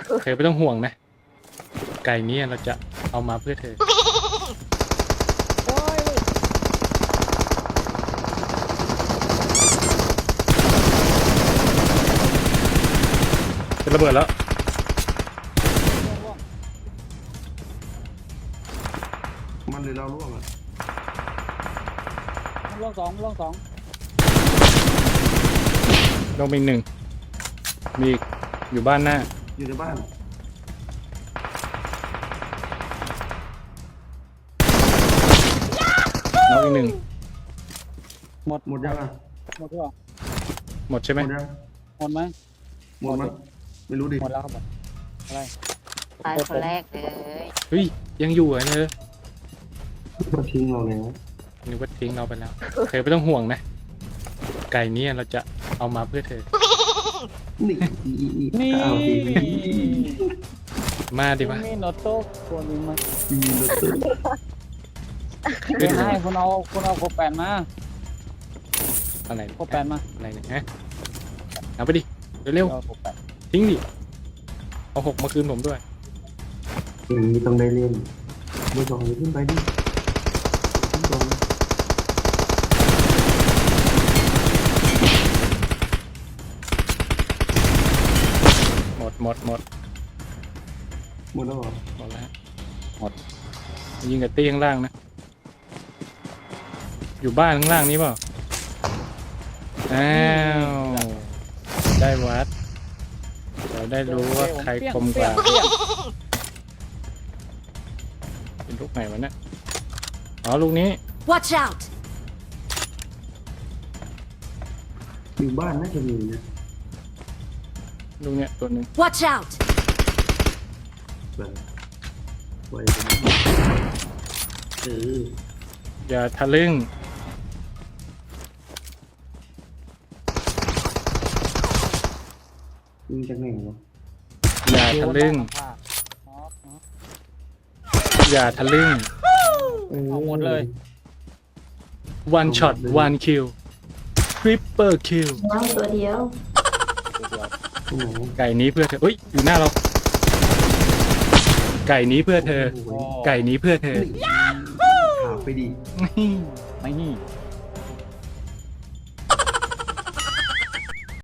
เธอไม่ต้องห่วงนะไก่นี้เราจะเอามาเพื่อเธอโอ้ยจะระเบิดแล้วมันเลยเราล่วงอ่ะล่วงสองลงไปอีกหนึ่งมีอีกอยู่บ้านหน้าอยู่ในบ้านน้องอีกหนึ่งหมดยังอ่ะหมดหรือเปล่าหมดใช่ไหมหมดยังหมดไหมหมดมั้ยไม่รู้ดิหมดแล้วครับผมอะไรตายคนแรกเลยเฮ้ยยังอยู่เหรอเธอมาทิ้งเราแล้วนึกว่าทิ้งเราไปแล้วเธอไม่ต้องห่วงนะไก่นี้เราจะเอามาเพื่อเธอนี่นี่เอาดิมาดิวะนี่โนโต้คนนี้มามีรถตู้เดี๋ยวให้คุณเอาโคแปนมาอะไรโคแปนมาอะไรเนี่ยฮะเอาไปดิเร็วเอาโคแปนๆทิ้งดิเอา6มาคืนผมด้วยอย่างนี้ต้องได้เล่นมือสองอย่าขึ้นไปดิขึ้นก่อนหมดหมดแล้วเหรอหมดแล้วฮะหมดยิงกับตี้ข้างล่างนะอยู่บ้านข้างล่างนี้เปล่าอ้าวได้วัดเราได้รู้ว่าใครคมกว่าเป็นลูกไหนวะเนี่ยอ๋อลูกนี้ Watch out อยู่บ้านน่าจะมีนะลูกเนี้ยตัวหนึ่ง Watch out แบบไว้ตรงนี้อย่าทะลึ่งยิงจากไหนวะอย่าทะลึ่งอย่าทะลึ่งเอาหมดเลย one shot one kill triple kill น้องตัวเดียวโอ้โหไก่นี้เพื่อเธอเฮ้ยอยู่หน้าเราไก่นี้เพื่อเธอ ไก่นี้เพื่อเธอถามไปดิไม่นี่